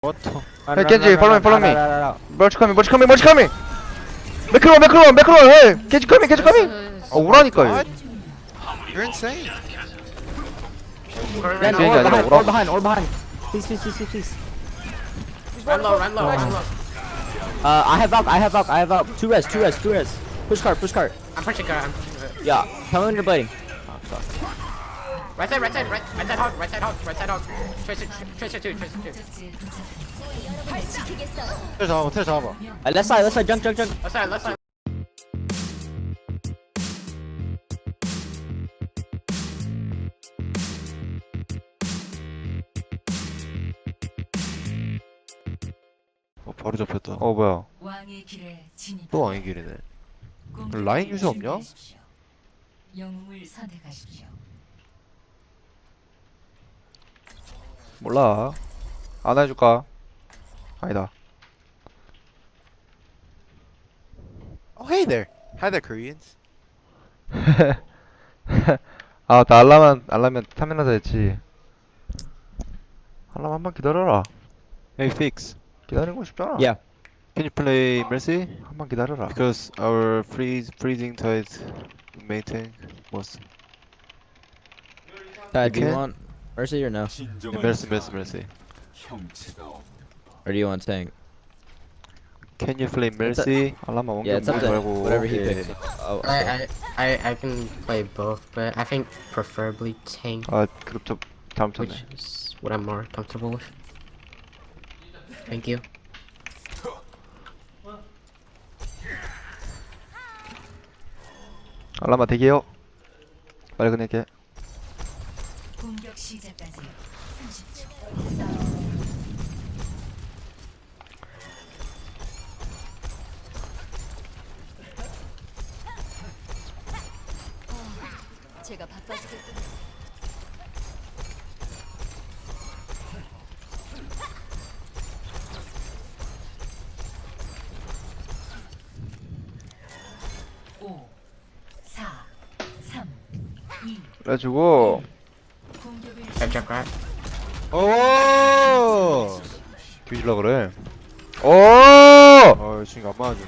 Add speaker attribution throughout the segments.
Speaker 1: What the?
Speaker 2: Hey Genji, follow me, follow me.
Speaker 3: Run.
Speaker 2: Merch coming, merch coming, merch coming. 맥크로, hey, Genji coming, Genji coming. 오라니까.
Speaker 1: What? You're insane.
Speaker 3: Ren,
Speaker 2: Genji 아니라
Speaker 3: all
Speaker 2: 오라.
Speaker 3: behind. Please.
Speaker 4: Run low.
Speaker 3: I have Valk. Two res. Push cart.
Speaker 4: I'm pushing car.
Speaker 3: Yeah, come in your blading.
Speaker 4: Right side hog. Tracer two.
Speaker 1: 테레 잡아봐.
Speaker 3: Left side, junk.
Speaker 4: Left side.
Speaker 1: 바로 잡혔다.
Speaker 2: 뭐야.
Speaker 5: 왕의 길에 진입.
Speaker 1: 또 왕의 길이네. 라인 유저 없냐?
Speaker 5: 영웅을 선택하십시오.
Speaker 2: 몰라. 안 해줄까? 아니다.
Speaker 1: Oh hey there. Hi there Koreans.
Speaker 2: 아, 나 알라면 탐내나자 했지. 알람 한번 기다려라.
Speaker 1: Hey Fix.
Speaker 2: 기다리는 거 쉽잖아.
Speaker 3: Yeah.
Speaker 1: Can you play Mercy?
Speaker 2: 한번 기다려라.
Speaker 1: Because our freezing tide main tank was
Speaker 3: Do you
Speaker 1: can?
Speaker 3: want Mercy or no?
Speaker 1: Mercy.
Speaker 3: Or do you want tank?
Speaker 1: Can you play Mercy?
Speaker 2: 알람만
Speaker 3: Yeah, it's up to
Speaker 2: 말고.
Speaker 3: whatever he
Speaker 1: yeah.
Speaker 3: picks. Oh, okay.
Speaker 4: I can play both, but I think preferably tank,
Speaker 2: 아, 그룹 다음 쳤네.
Speaker 4: which is what I'm more comfortable with. Thank you.
Speaker 2: 알람아 대기해요. 빨리 끝낼게.
Speaker 5: 공격 시작까지 30초. 제가 바빠지겠군요. 오, 4, 3, 2,
Speaker 2: 그래가지고
Speaker 5: 공격을
Speaker 4: Check right.
Speaker 1: 오!
Speaker 2: 뒤질라 그래. 오!
Speaker 1: 아 지금 안 맞아주네.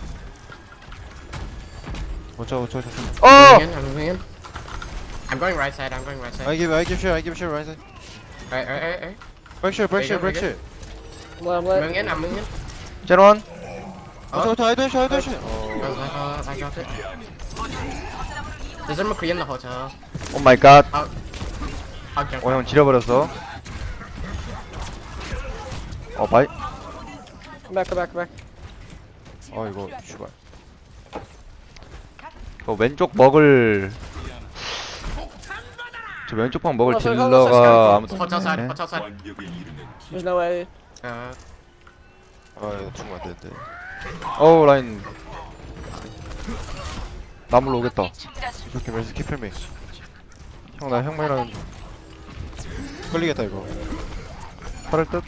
Speaker 1: watch out.
Speaker 2: 어!
Speaker 4: I'm moving in. I'm going right side.
Speaker 1: I give share right side.
Speaker 4: Right.
Speaker 1: Break share.
Speaker 4: Moving in.
Speaker 2: 제로원.
Speaker 1: I don't share.
Speaker 4: I got it. There's a McCree in the hotel.
Speaker 2: 오 마이 갓.
Speaker 4: I'll jump.
Speaker 2: 형 지려버렸어. 바이.
Speaker 3: Come back.
Speaker 1: 아 이거 슈발.
Speaker 2: 왼쪽 먹을 저 왼쪽 방 먹을 딜러가 아무도
Speaker 4: Hotel side.
Speaker 2: 없네.
Speaker 4: Hotel side.
Speaker 3: There's no way.
Speaker 1: 아 이거 죽으면 안 되는데.
Speaker 2: 어우 라인 나물로 오겠다.
Speaker 1: 이렇게 Mercy keep me.
Speaker 2: 형 나 형만이랑
Speaker 1: 걸리겠다 이거.
Speaker 2: 팔을 듯.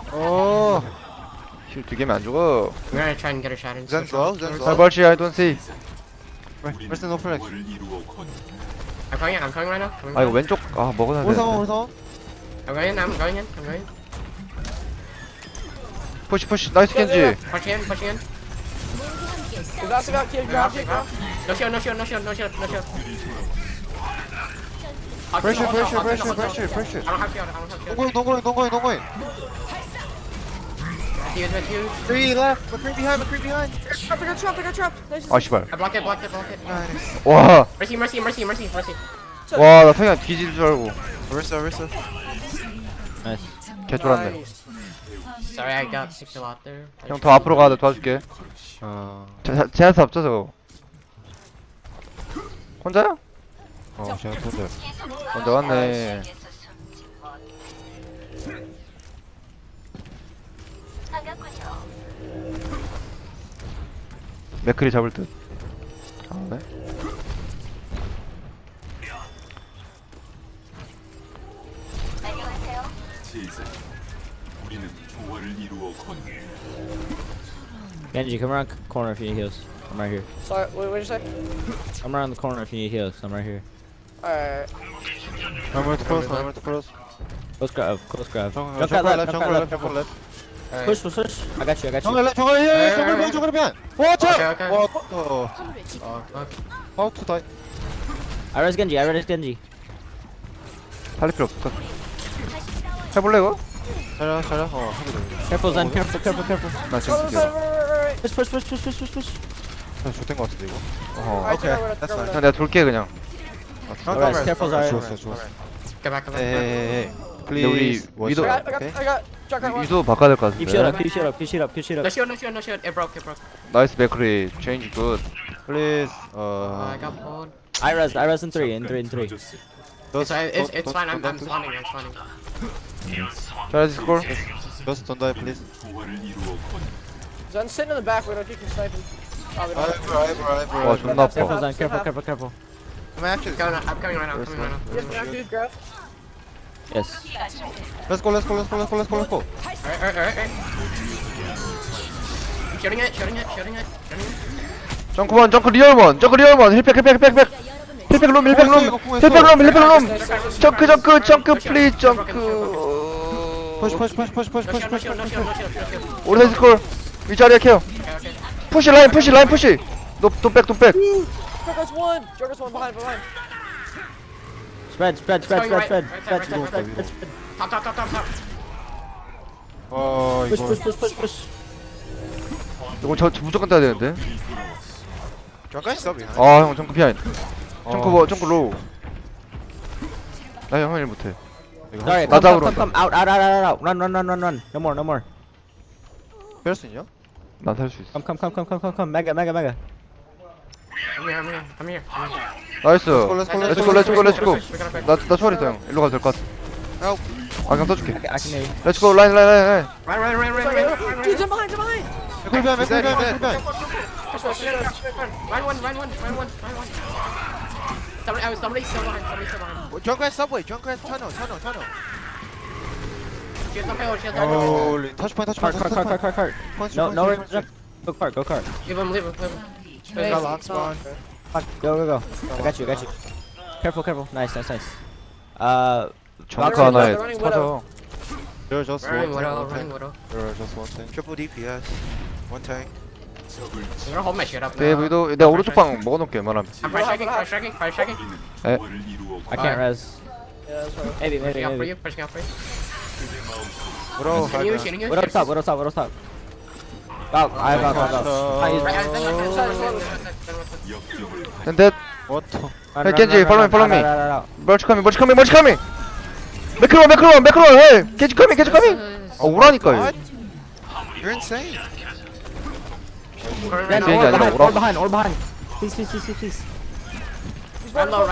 Speaker 2: 힐 2개면 안 죽어.
Speaker 4: I'm gonna try and get a shot in.
Speaker 1: Zen's low.
Speaker 2: 아 벌치 I don't see.
Speaker 1: Mercy no flex.
Speaker 4: I'm going right now.
Speaker 2: 아 이거 왼쪽 먹어놔야 돼.
Speaker 1: 오성.
Speaker 4: I'm going in.
Speaker 2: 푸시 나이스 켄지.
Speaker 4: Pushing in.
Speaker 3: Grab.
Speaker 4: No shield.
Speaker 1: Pressure.
Speaker 4: I don't have shield.
Speaker 1: 동거인.
Speaker 4: Fuse.
Speaker 1: 3 left. McCree behind.
Speaker 2: 아 씨발.
Speaker 4: I blocked it.
Speaker 1: Nice.
Speaker 2: 와.
Speaker 4: Mercy.
Speaker 2: 와, 나 성현 뒤질 줄 알고
Speaker 1: Arista.
Speaker 3: Nice.
Speaker 2: 개쫄았네.
Speaker 4: Sorry, I got kicked a lot there.
Speaker 2: 형 더 앞으로 가야 돼. 도와줄게. 제한사 없죠 저거. 혼자야?
Speaker 1: 제가 돈데.
Speaker 2: 혼자 왔네. 맥크리 잡을 듯. 네.
Speaker 3: Genji, come around corner if you need heals. I'm right here.
Speaker 6: Sorry, what'd you say?
Speaker 3: I'm around the corner if you need heals. I'm right here.
Speaker 6: Alright.
Speaker 1: I'm going to cross.
Speaker 3: Close grab.
Speaker 1: Jungle
Speaker 3: Jump that left.
Speaker 1: left.
Speaker 3: Push, push, push. I got you, I got you.
Speaker 1: 정글 힐 정글 면 정글 면 와차
Speaker 4: Okay, okay.
Speaker 1: what
Speaker 4: Oh, fuck.
Speaker 1: how to die
Speaker 3: I res Genji, I res Genji.
Speaker 2: 살릴 필요 없어. 해볼래 이거?
Speaker 1: 자려 하게 돼
Speaker 3: Careful, Zen, careful, careful, careful.
Speaker 2: 나 지금
Speaker 6: Right,
Speaker 2: 죽여.
Speaker 6: right, right.
Speaker 3: Push, push, push, push, push, push, push.
Speaker 1: 좋된 거 같은데 이거
Speaker 2: 어.
Speaker 6: Alright, that's
Speaker 2: 그냥 내가 돌게 그냥.
Speaker 3: Alright, careful, Zarya.
Speaker 1: 좋았어
Speaker 4: Come back, come back.
Speaker 1: 에헤헤
Speaker 2: 근데 우리 위도
Speaker 6: I got Junkrat one.
Speaker 2: 위도 바꿔야 될 것
Speaker 3: Keep shit up,
Speaker 2: 같은데.
Speaker 3: keep shit up, keep shit up, keep shit
Speaker 4: No
Speaker 3: up.
Speaker 4: shield, no shield, no shield. It broke, it broke.
Speaker 2: 나이스 맥크리 체인지 굿.
Speaker 1: please
Speaker 4: I got pulled.
Speaker 3: I res in 3, in 3, in 3.
Speaker 4: It's fine, I'm spawning, I'm spawning.
Speaker 2: 자 스콜.
Speaker 1: just don't die please
Speaker 6: Zen sitting in the back. We don't keep him sniping. Oh, we don't.
Speaker 2: 와 존나
Speaker 3: Careful,
Speaker 2: 아파.
Speaker 3: Zen, careful, careful, careful.
Speaker 4: I'm coming right now, coming right now.
Speaker 6: Yes, back, dude, Graf.
Speaker 3: Yes.
Speaker 1: let's go
Speaker 4: Alright. Shooting it.
Speaker 2: 정크원 정크 리얼원 정크 리얼원 힐팩 룸 정크 플리즈 정크.
Speaker 1: push
Speaker 4: No shield.
Speaker 2: 오른쪽 스콜 위자리에 케어.
Speaker 4: Okay.
Speaker 2: 푸시 라인 푸시. 돈백.
Speaker 6: Junkrat's one. Junkrat's one behind.
Speaker 3: Spread.
Speaker 4: Right side. Top.
Speaker 3: Push,
Speaker 1: 이거
Speaker 3: push, push.
Speaker 2: 이거 저 무조건 따야 되는데.
Speaker 1: 정글까지 서비
Speaker 2: 아 형 정크 피아인. 정크 로우. 나 형일 못해.
Speaker 3: Sorry,
Speaker 2: 나 잡으러
Speaker 3: come, out. Run. No more.
Speaker 1: 뺄수 있냐?
Speaker 2: 난 살 수 있어.
Speaker 3: Come. Mega.
Speaker 4: I'm here.
Speaker 2: 나이스.
Speaker 1: Let's go.
Speaker 2: 나 초월했어 형. 일로 가도 될 것 같아.
Speaker 1: Help.
Speaker 2: 아 그냥 써줄게.
Speaker 3: I can hear you.
Speaker 2: 렛츠고 라인.
Speaker 4: Run.
Speaker 6: Dude, Zen behind.
Speaker 1: 맥쿨변
Speaker 4: Run one. Somebody still behind.
Speaker 1: 정글 서브웨이 정글 터널
Speaker 4: Shield some hill.
Speaker 1: 홀리 터치포인트
Speaker 3: Cart. No, jump. Go cart.
Speaker 4: Leave him.
Speaker 3: Fuck, go. I got you. Careful. Nice.
Speaker 2: 정크 하나에
Speaker 6: They're running
Speaker 2: 터져.
Speaker 1: You're just
Speaker 4: Running
Speaker 1: one
Speaker 4: widow.
Speaker 1: tank You're just one tank
Speaker 7: Triple DPS. One tank.
Speaker 4: I'm gonna hold my shit up
Speaker 2: 네
Speaker 4: now.
Speaker 2: 위도 내가 오른쪽 방 먹어놓을게 웬만하면.
Speaker 4: I'm price checking.
Speaker 3: I can't res.
Speaker 6: Yeah, that's right.
Speaker 3: Maybe.
Speaker 4: Pushing out for you.
Speaker 1: Bro
Speaker 4: Shooting you.
Speaker 3: What up top? Out. I have out.
Speaker 2: 근데
Speaker 1: What
Speaker 2: Hey, Genji, follow me.
Speaker 3: Out.
Speaker 2: 멀치 커밍. 매크론. 헤이. 겐지 커밍. 아 오라니까 이거.
Speaker 7: You're insane.
Speaker 3: Then
Speaker 2: 비행기 아니라
Speaker 3: all
Speaker 2: 오라.
Speaker 3: behind. Please.
Speaker 4: Run low.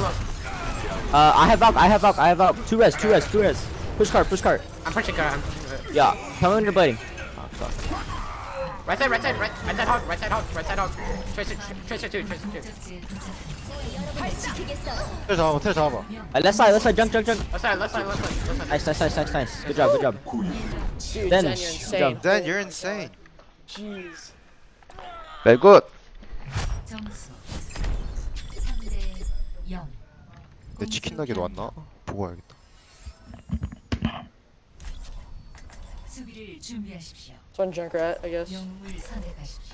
Speaker 3: I have Valk. Two res. Push cart.
Speaker 4: I'm pushing car.
Speaker 3: Yeah. Tell me when you're blading.
Speaker 4: Right side hog. Tracer two.
Speaker 1: 틀 잡아봐
Speaker 3: Left side. Junk.
Speaker 4: Left side.
Speaker 3: Nice. Good job.
Speaker 6: Dude,
Speaker 3: Then,
Speaker 6: Zen, you're insane.
Speaker 7: Then you're insane.
Speaker 6: Jeez.
Speaker 2: very good.
Speaker 5: 점수 3대 0.
Speaker 1: 내 치킨 나게도 왔나? 보고 와야겠다
Speaker 5: 수비를 준비하십시오.
Speaker 6: It's one Junkrat, I guess.
Speaker 5: 영웅을 선택하십시오.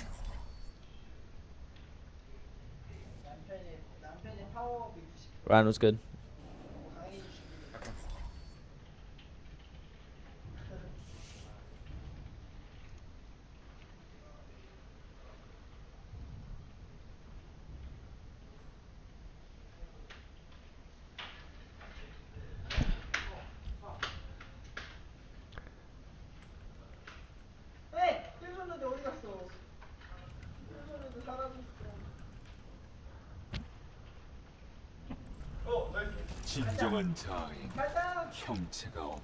Speaker 3: Ryan was good.
Speaker 8: 진정한 자아인 형체가 없는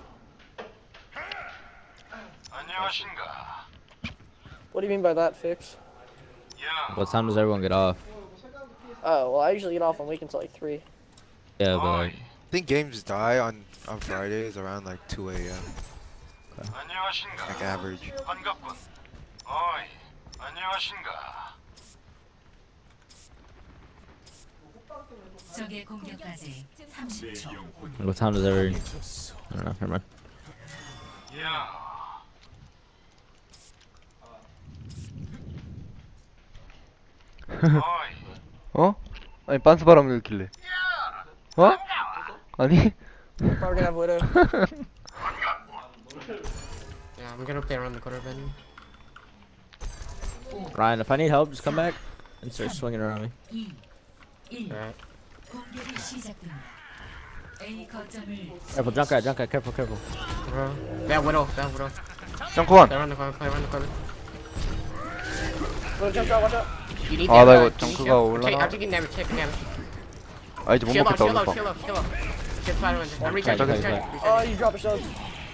Speaker 8: 안녕하신가.
Speaker 6: What do you mean by that, Fix?
Speaker 3: What time does everyone get off?
Speaker 6: Oh, well, I usually get off on week until like 3.
Speaker 3: Yeah, but like,
Speaker 7: I think games die on Fridays around like 2 a.m.
Speaker 8: 안녕하신가.
Speaker 7: Like average.
Speaker 8: 반갑군. 어이, 안녕하신가.
Speaker 5: 적의 공격까지 30초.
Speaker 3: what time does every? I don't know. Never mind.
Speaker 8: 야,
Speaker 2: 어? 아니 빤스 바람을 일으킬래. 어? 아니?
Speaker 6: Probably gonna have Widow.
Speaker 4: Yeah, I'm gonna play around the corner then.
Speaker 3: Ryan, if I need help, just come back and start swinging around me.
Speaker 5: 2, 1.
Speaker 4: Alright.
Speaker 5: 공격이 시작됩니다. A 거점을
Speaker 3: Careful, Junkrat, careful, careful.
Speaker 4: Bad widow, bad widow.
Speaker 2: 점프원.
Speaker 4: Play around the corner, play around the corner.
Speaker 6: Widow jump shot, watch out.
Speaker 4: You need
Speaker 2: 아, 나
Speaker 4: damage,
Speaker 2: 이거
Speaker 4: you need
Speaker 2: 정크가
Speaker 4: shield.
Speaker 2: 올라나?
Speaker 4: I'm taking damage, taking damage.
Speaker 2: 아 이제 못
Speaker 4: Shield up,
Speaker 2: 먹겠다
Speaker 4: shield up,
Speaker 2: 오늘
Speaker 4: shield
Speaker 2: 밤.
Speaker 4: up, shield up. Shield Spider-Man. I'm recharging,
Speaker 3: Okay,
Speaker 4: recharging.
Speaker 6: Oh, you drop a shield.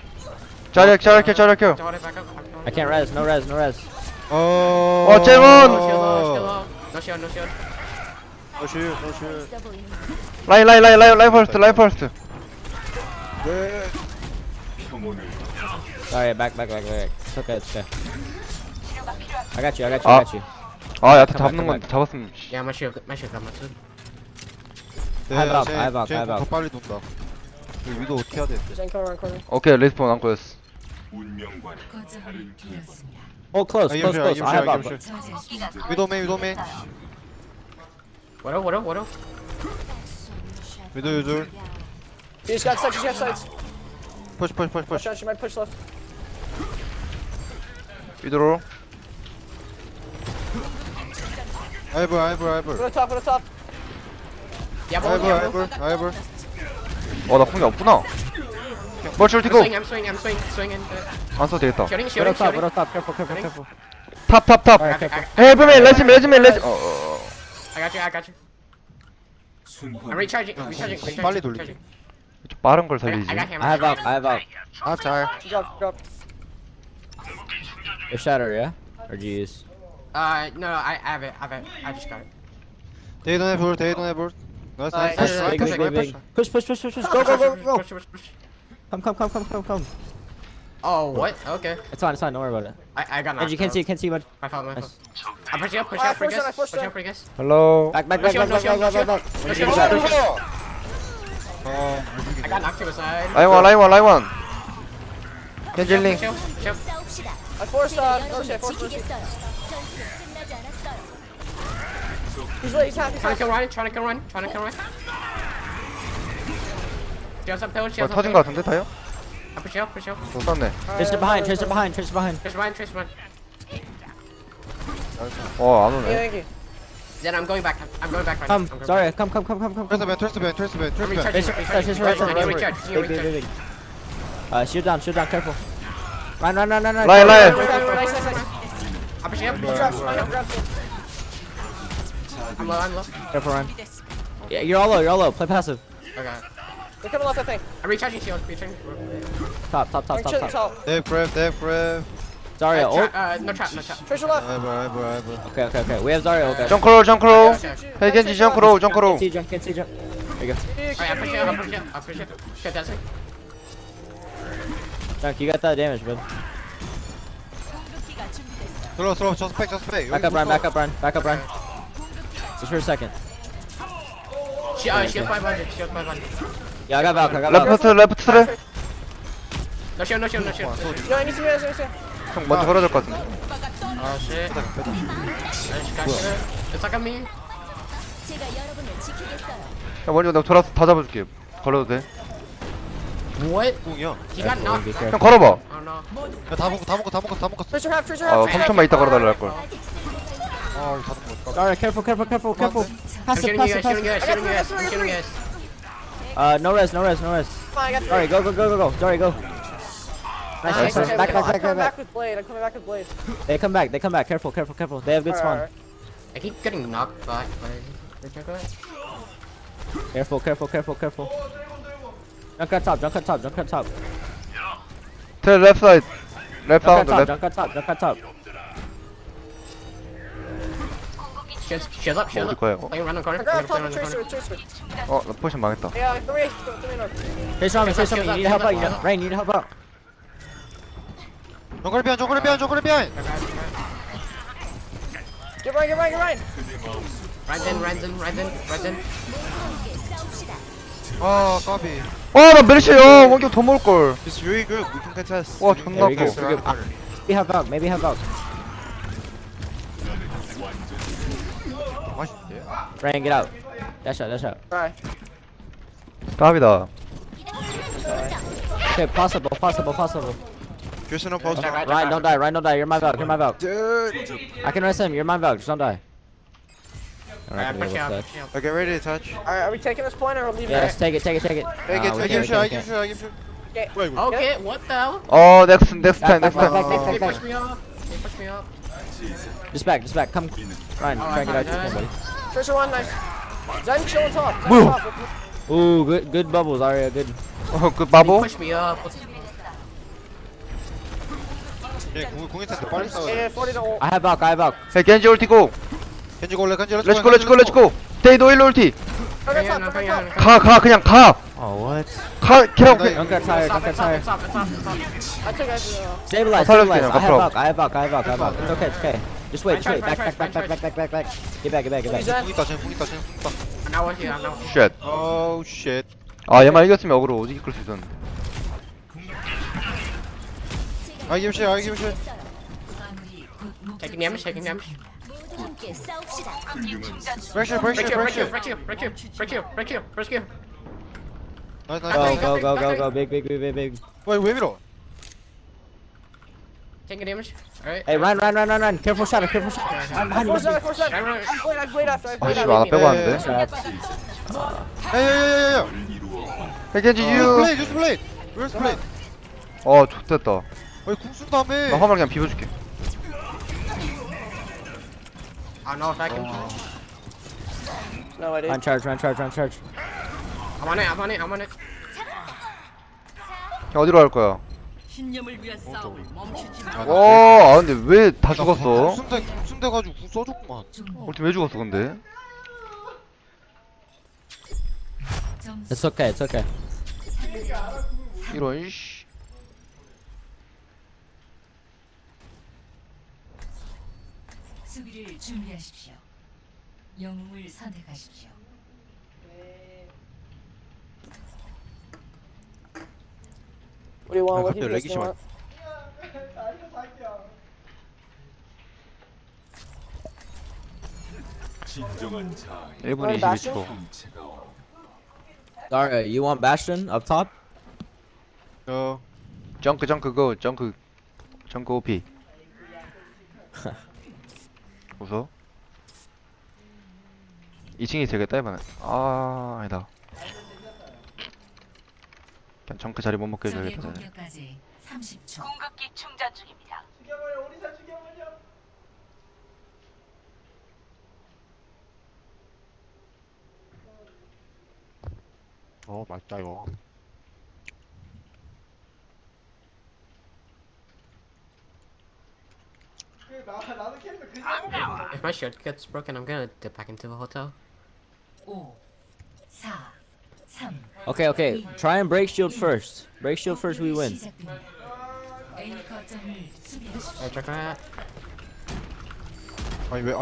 Speaker 2: 자리야.
Speaker 4: Hold it back up.
Speaker 3: I can't res, no res.
Speaker 7: Oh.
Speaker 2: 어 잼원.
Speaker 4: No shield, no shield. No shield.
Speaker 7: No shoot, no shoot.
Speaker 2: 라인 퍼스트.
Speaker 7: Good.
Speaker 3: Sorry, back. It's okay. I got you.
Speaker 2: 아 야타 잡는 건 잡았으면. 씨.
Speaker 4: Yeah, my shield got my shield.
Speaker 3: I have
Speaker 7: 더
Speaker 3: out.
Speaker 7: 빨리 돈다. 이 위도 어떻게 해야 돼?
Speaker 6: Zen coming around corner.
Speaker 2: 오케이 레스폰 안 거였어.
Speaker 8: 운명과는
Speaker 5: 거점을
Speaker 8: 다른 길.
Speaker 5: 잃었습니다.
Speaker 3: Oh, close. I have out.
Speaker 5: 저지하십시오.
Speaker 7: 위도메.
Speaker 4: Widow.
Speaker 7: 위도 유줄.
Speaker 6: He just got sights.
Speaker 7: Push.
Speaker 6: Watch out, she might push left.
Speaker 2: 위도로.
Speaker 7: 아이블.
Speaker 6: Widow top.
Speaker 4: Yeah, both.
Speaker 7: 아이블.
Speaker 2: 어나 공이 없구나. 멀출
Speaker 4: I'm
Speaker 2: 티고.
Speaker 4: swinging.
Speaker 2: 안 써도 되겠다.
Speaker 3: Widow top. Careful.
Speaker 2: 탑.
Speaker 3: Alright, careful.
Speaker 2: 헤브맨 레지맨.
Speaker 4: I got you. I'm recharging.
Speaker 7: 빨리 돌리기.
Speaker 2: 좀 빠른 걸 살리지.
Speaker 4: I got him.
Speaker 3: I have out.
Speaker 7: 아 잘.
Speaker 6: She dropped.
Speaker 3: If shatter, yeah? Or do you use?
Speaker 4: No, I have it. I just got it.
Speaker 7: 데이돈 해볼. 나이스.
Speaker 3: Big. Push. Go.
Speaker 4: Push.
Speaker 3: Come.
Speaker 4: Oh, what? Okay.
Speaker 3: It's fine. Don't worry about it.
Speaker 4: I got
Speaker 3: And you
Speaker 4: knocked
Speaker 3: can't
Speaker 4: out.
Speaker 3: see much.
Speaker 4: My fault.
Speaker 3: Nice.
Speaker 4: I push you up,
Speaker 6: I forced it.
Speaker 4: guys.
Speaker 2: 헬로.
Speaker 3: Back.
Speaker 4: No shield. No shield.
Speaker 7: 어.
Speaker 4: I got knocked to the side.
Speaker 2: 라이원. 켄질링.
Speaker 4: Shield.
Speaker 6: I forced Mercy. He's happy.
Speaker 4: Trying to kill run. Shield's up there.
Speaker 2: 어 터진 거 같은데 타요?
Speaker 4: I push you up.
Speaker 2: 못 쐈네.
Speaker 3: Tracer behind.
Speaker 4: Trace run.
Speaker 2: 안 오네.
Speaker 6: Thank you.
Speaker 4: Then I'm going back right
Speaker 3: Come.
Speaker 4: now.
Speaker 3: Sorry. Come.
Speaker 7: 트레스맨.
Speaker 4: I'm recharging.
Speaker 3: Tracer
Speaker 4: Right.
Speaker 3: right.
Speaker 4: Recharge.
Speaker 3: Shield down. Careful. Run.
Speaker 2: 라인.
Speaker 6: Nice.
Speaker 4: I push you up.
Speaker 6: Grab.
Speaker 4: I'm low.
Speaker 3: Careful, run. Yeah, you're all low. Play passive.
Speaker 4: Okay.
Speaker 6: They're coming left, I think.
Speaker 4: I'm recharging shield.
Speaker 3: Top.
Speaker 6: I'm chilling top.
Speaker 7: 데프랩.
Speaker 3: Zarya, ult.
Speaker 4: No trap.
Speaker 6: Tracer left.
Speaker 7: 아이블.
Speaker 3: Okay. We have Zarya, okay.
Speaker 2: 정크로.
Speaker 4: Okay.
Speaker 2: 헤이 켄지 정크로.
Speaker 3: Can't see jump. There you go.
Speaker 4: Alright, I push you up. Okay, that's it.
Speaker 3: Junk, you got that damage, bud.
Speaker 7: 들어. 저스펙.
Speaker 3: Back up, run. Just for a second.
Speaker 4: Shield 500.
Speaker 3: Yeah, I got Valk.
Speaker 2: 레프트 트레.
Speaker 4: No shield.
Speaker 6: No, I need to be.
Speaker 2: 형 먼저 걸어야 될 것 같은데.
Speaker 4: Oh shit. I just got you. It's like on me.
Speaker 2: 형 먼저 내가 돌아서 다 잡아줄게. 걸어도 돼.
Speaker 4: What?
Speaker 7: 궁이야.
Speaker 4: He got knocked.
Speaker 3: Be
Speaker 2: 형
Speaker 3: careful.
Speaker 2: 걸어봐.
Speaker 4: Oh no.
Speaker 7: 다 먹었어.
Speaker 6: Tracer half.
Speaker 2: 아 3초만 있다 걸어달라 할 걸.
Speaker 7: 아, 다 먹었어.
Speaker 3: Zarya, careful.
Speaker 4: I'm shooting you guys.
Speaker 3: No res.
Speaker 6: I got
Speaker 3: Sorry, go. Zarya, go. Nice.
Speaker 6: Okay,
Speaker 3: Back.
Speaker 6: I'm coming back with Blade.
Speaker 3: They come back. Careful. They have good spawn.
Speaker 6: Alright.
Speaker 4: I keep getting knocked back by the juggler.
Speaker 3: Careful. Junk at top.
Speaker 2: 트레 레프트 사이드. 레프트 사운드 레프트.
Speaker 3: Junk at top.
Speaker 4: Shields up.
Speaker 2: 어디 거야 이거?
Speaker 4: Play around the corner.
Speaker 6: Grab
Speaker 4: Play
Speaker 6: top
Speaker 4: around
Speaker 6: with
Speaker 4: the corner.
Speaker 6: Tracer.
Speaker 2: 나 포션 망했다.
Speaker 6: Yeah, 3 north.
Speaker 3: Trace on me. You need help out. Rain, you need help out.
Speaker 7: 정글 비하인.
Speaker 6: Get right.
Speaker 4: Run in.
Speaker 7: 아, 까비.
Speaker 2: 나 메르시. 원격 더 먹을 걸.
Speaker 7: It's really good. We can contest.
Speaker 2: 와 존나
Speaker 3: There we
Speaker 2: 아파.
Speaker 3: go. Maybe have Valk. Ryan, get out. Dash out, dash out.
Speaker 6: Try.
Speaker 2: 까비다.
Speaker 3: Okay, possible, possible, possible.
Speaker 7: Tristan no post.
Speaker 3: Ryan, don't die, Ryan, don't die. You're my Valk, you're my Valk.
Speaker 7: Dude.
Speaker 3: I can rest him, you're my Valk, just don't die.
Speaker 4: Alright,
Speaker 3: Alright,
Speaker 4: push you up, push you up.
Speaker 7: Okay, ready to touch.
Speaker 6: Alright, are we taking this point or leaving
Speaker 3: Yes,
Speaker 6: it?
Speaker 3: take it, take it, take it.
Speaker 7: Take it,
Speaker 3: we
Speaker 7: take
Speaker 3: can't,
Speaker 7: it.
Speaker 3: we can't, we can't.
Speaker 4: Okay, what the hell?
Speaker 2: 어, next time, next
Speaker 3: Back,
Speaker 2: time.
Speaker 3: back,
Speaker 4: They
Speaker 3: back,
Speaker 4: push me up. They push me up.
Speaker 3: Just back, come. Ryan, try and get out to him, buddy.
Speaker 6: Trisha one, nice. Zen, chill on top. Zen
Speaker 2: 뭐야?
Speaker 6: on top.
Speaker 3: Ooh, good bubbles, Arya, good.
Speaker 2: 어, 그
Speaker 4: They
Speaker 2: 바보?
Speaker 4: push me up.
Speaker 7: 공이 텐데 빨리 싸워.
Speaker 6: Yeah, 40 to ult.
Speaker 3: I have Valk.
Speaker 2: Hey, 겐지 ulti go.
Speaker 7: 겐지 골래, 겐지
Speaker 2: Let's go, let's go, let's go. Stay no ulti.
Speaker 6: Turn it top, turn it top.
Speaker 2: 가, 그냥 가.
Speaker 3: Oh, what?
Speaker 2: 가, 그냥.
Speaker 3: Don't get tired, don't get tired.
Speaker 6: I took it.
Speaker 3: Stabilize,
Speaker 2: 살려줄게,
Speaker 3: stabilize. I have
Speaker 2: 앞으로.
Speaker 3: Valk, I have Valk. It's okay, it's okay. Just wait. Back. Get back.
Speaker 7: 공 있다, 쟤 공 있다.
Speaker 4: I'm now with you, I'm now.
Speaker 2: Shit.
Speaker 7: Oh shit.
Speaker 2: 아, 얘만 이겼으면 어그로 오지게 끌 수 있었는데.
Speaker 7: I give shit, I give shit.
Speaker 4: Taking damage, taking damage.
Speaker 7: Pressure,
Speaker 4: Break
Speaker 7: pressure,
Speaker 4: you,
Speaker 7: pressure.
Speaker 4: break you.
Speaker 7: 나이스, 나이스.
Speaker 3: Go. Big.
Speaker 7: 왜 밀어?
Speaker 4: Taking damage. Alright.
Speaker 3: Hey, run. Careful shot.
Speaker 6: Force that. I played after.
Speaker 2: 아, 씨, 나 빼고 왔는데.
Speaker 7: 야야야야야.
Speaker 2: Hey, 겐지
Speaker 7: 유
Speaker 2: you.
Speaker 7: 플레이, 유스 플레이. 유스 플레이.
Speaker 2: 어, 좋됐다.
Speaker 7: 왜 궁순 다음에?
Speaker 2: 나 화물 그냥 비벼줄게.
Speaker 4: I don't know if I can.
Speaker 6: No, I
Speaker 3: Run
Speaker 6: didn't.
Speaker 3: charge.
Speaker 4: I'm on it.
Speaker 2: 어디로 갈 거야?
Speaker 5: 신념을 위한 싸움을 멈추지 마.
Speaker 2: 와, 아 근데 왜 다 죽었어?
Speaker 7: 궁순 돼가지고 궁 써줬구만.
Speaker 2: 우리 팀 왜 죽었어 근데?
Speaker 3: It's okay.
Speaker 2: 이런 이씨.
Speaker 5: 수비를 준비하십시오. 영웅을 선택하십시오.
Speaker 6: What do you want?
Speaker 7: 아,
Speaker 6: What do you
Speaker 7: 갑자기 렉이
Speaker 6: want?
Speaker 8: 진정한 자의
Speaker 2: 1분
Speaker 6: Bastion?
Speaker 2: 22초.
Speaker 8: 형체가 없다.
Speaker 3: Alright, you want Bastion up top?
Speaker 7: 어.
Speaker 2: 정크 go. 정크 OP. 웃어? 2층이 되겠다 이번엔. 아, 아니다. 그냥 정크 자리 못 먹게
Speaker 5: 적의
Speaker 2: 해줘야겠다. 쟤네.
Speaker 5: 공격까지 30초.
Speaker 9: 공급기 충전 중입니다.
Speaker 7: 맛있다 이거.
Speaker 4: If my shield gets broken, I'm gonna dip back into the hotel.
Speaker 5: 5, 4, 3.
Speaker 3: Okay. Try and break shield first. Break shield first, we win.
Speaker 5: 시작됩니다. A 거점을 수비하십시오.
Speaker 4: Alright, check that.
Speaker 7: 아니 왜?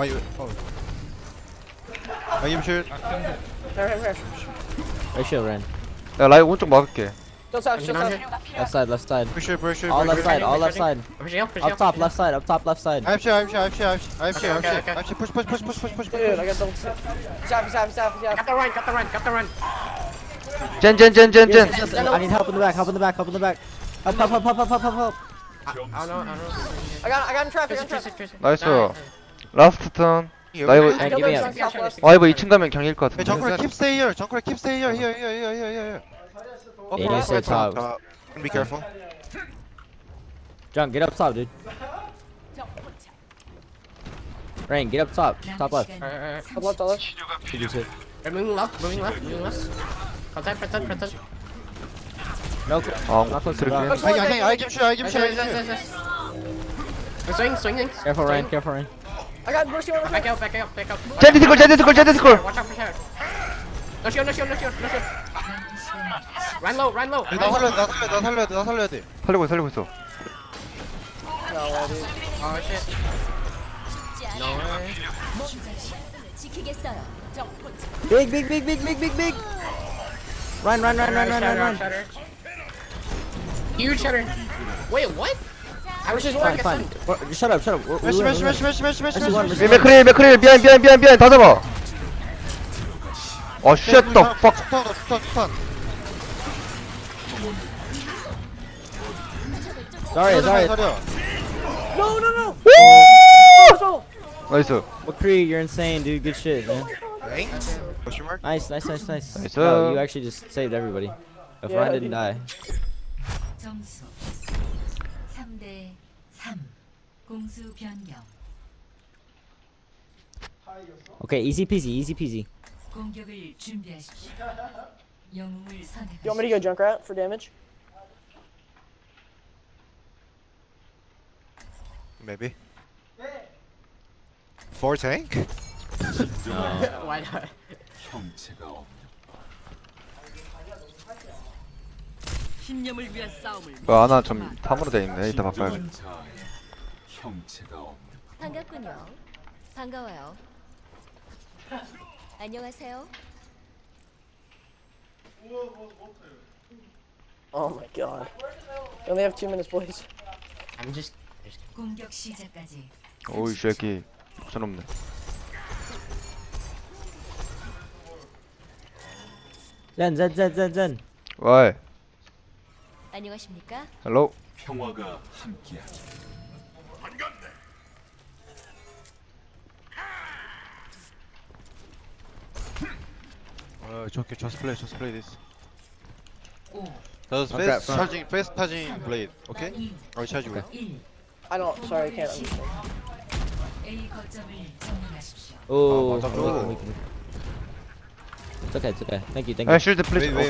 Speaker 7: I give shit.
Speaker 6: Here.
Speaker 3: Break shield, Ren.
Speaker 2: 야, 라이 오른쪽 막을게.
Speaker 6: Just out.
Speaker 4: Pushing on here.
Speaker 3: Left side.
Speaker 7: Pressure.
Speaker 3: All left side.
Speaker 4: Pushing up.
Speaker 3: Up top, left side. Up top, left side.
Speaker 7: I have shit.
Speaker 4: Okay.
Speaker 7: Push.
Speaker 6: Dude, I got double. He's half.
Speaker 4: Got the run.
Speaker 2: 젠.
Speaker 3: I need help in the back. Help. Help.
Speaker 4: I don't know.
Speaker 6: I got him trapped.
Speaker 2: 나이스. 라스트 턴. 나 이거
Speaker 3: Hey, give me up.
Speaker 2: 아 이거 2층 가면 경일 것
Speaker 7: Hey,
Speaker 2: 같은데.
Speaker 7: Junker, keep stay here. Here.
Speaker 3: Yeah, you stay top.
Speaker 7: Be careful.
Speaker 3: John, get up top, dude. Rain, get up top. Top left.
Speaker 4: Alright.
Speaker 8: 치료가 필요해.
Speaker 4: Moving left. Protect.
Speaker 3: No,
Speaker 2: 아,
Speaker 3: not close to
Speaker 2: 그렇게.
Speaker 3: that.
Speaker 7: I give shit.
Speaker 4: Yes. Swing.
Speaker 3: Careful, Rain.
Speaker 6: I got Mercy on the
Speaker 4: Back out.
Speaker 2: 제드 스콜.
Speaker 4: Watch out for sure. No shield. Run low.
Speaker 7: 나 살려야 돼.
Speaker 2: 살리고 있어.
Speaker 4: Oh shit. No way.
Speaker 5: 지키겠어요.
Speaker 3: Big. Run.
Speaker 4: Shutter. Huge shutter. Wait, what? I was just
Speaker 3: Fine.
Speaker 4: walking.
Speaker 3: Shut up.
Speaker 7: 메시.
Speaker 2: 맥크릴 미안 다 잡아. 어 shit the fuck.
Speaker 7: 스턴.
Speaker 3: Sorry, sorry.
Speaker 6: No, no, no.
Speaker 2: 나이스.
Speaker 3: McCree, you're insane, dude. Good shit, man.
Speaker 7: Thanks. Question mark?
Speaker 3: Nice, nice, nice, nice.
Speaker 2: Nice.
Speaker 3: Wow, you actually just saved everybody. If
Speaker 6: Yeah,
Speaker 3: Ryan
Speaker 6: I
Speaker 3: didn't
Speaker 6: did.
Speaker 3: die.
Speaker 5: 점수 3대 3. 공수 변경.
Speaker 3: Okay, easy peasy, easy peasy.
Speaker 5: 공격을 준비하십시오. 영웅을
Speaker 6: You want me to
Speaker 5: 선택하십시오.
Speaker 6: go Junkrat for damage?
Speaker 7: Maybe. 4 tank?
Speaker 4: Why not?
Speaker 8: 형체가 없는
Speaker 5: 신념을 위한 싸움을.
Speaker 2: 그 하나 좀 탐으로 돼 있네. 이따 바꿔야겠다.
Speaker 8: 진정한 자아의 형체가 없는
Speaker 9: 반갑군요. 반가워요. 안녕하세요.
Speaker 6: Oh my god. We only have 2 minutes, boys.
Speaker 4: I'm just.
Speaker 5: 공격 시작까지.
Speaker 2: 오이 새끼. 옵션 없네.
Speaker 3: Zen.
Speaker 2: 와이.
Speaker 9: 안녕하십니까?
Speaker 2: 헬로.
Speaker 8: 평화가 함께하기.
Speaker 1: It's okay, just play this.
Speaker 5: 5,
Speaker 1: Does
Speaker 2: Okay,
Speaker 1: fast charging blade, okay?
Speaker 5: 2,
Speaker 1: I'll charge you.
Speaker 5: 1.
Speaker 6: I don't. Sorry, I can't understand.
Speaker 5: A 거점을 점령하십시오.
Speaker 3: Oh,
Speaker 1: 맞아,
Speaker 3: weak,
Speaker 1: 그거.
Speaker 3: weak, weak. It's okay, it's okay. Thank you, thank
Speaker 2: 아
Speaker 3: you.
Speaker 2: 쉴드 플리즈.
Speaker 1: Wait.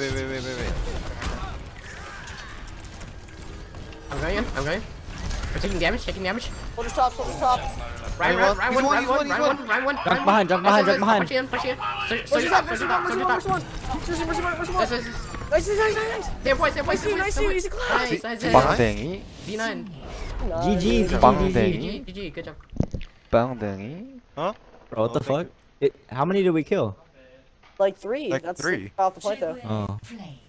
Speaker 4: I'm going in. I'm going. We're taking damage. Taking damage.
Speaker 6: Soldier top, soldier top.
Speaker 4: Ryan
Speaker 1: Ryan
Speaker 4: one.
Speaker 1: one,
Speaker 4: Ryan
Speaker 1: he's
Speaker 4: one.
Speaker 1: one,
Speaker 4: Ryan
Speaker 1: he's
Speaker 4: one.
Speaker 1: one.
Speaker 4: Ryan one.
Speaker 3: Jump behind, jump behind, jump behind.
Speaker 4: Push in. Push in.
Speaker 6: Mercy
Speaker 4: Soldier
Speaker 6: top,
Speaker 4: top.
Speaker 6: mercy
Speaker 4: Soldier
Speaker 6: top,
Speaker 4: top.
Speaker 6: mercy
Speaker 4: Soldier
Speaker 6: one,
Speaker 4: top.
Speaker 6: mercy one. Mercy, mercy one, mercy one.
Speaker 4: Nice, nice,
Speaker 6: Nice, nice, nice, nice.
Speaker 4: Same point. Same point.
Speaker 6: Nice, nice, easy clap.
Speaker 4: Nice, nice, nice.
Speaker 2: 빵댕이.
Speaker 4: Z9.
Speaker 3: GG, GG,
Speaker 2: 빵댕이.
Speaker 4: GG. Good job.
Speaker 2: 빵댕이.
Speaker 3: Bro, what the
Speaker 1: thank
Speaker 3: fuck? How many did we kill?
Speaker 6: Like 3.
Speaker 7: Like
Speaker 6: That's
Speaker 7: 3.
Speaker 6: off the point though.
Speaker 5: 최고의
Speaker 3: 어.
Speaker 5: 플레이.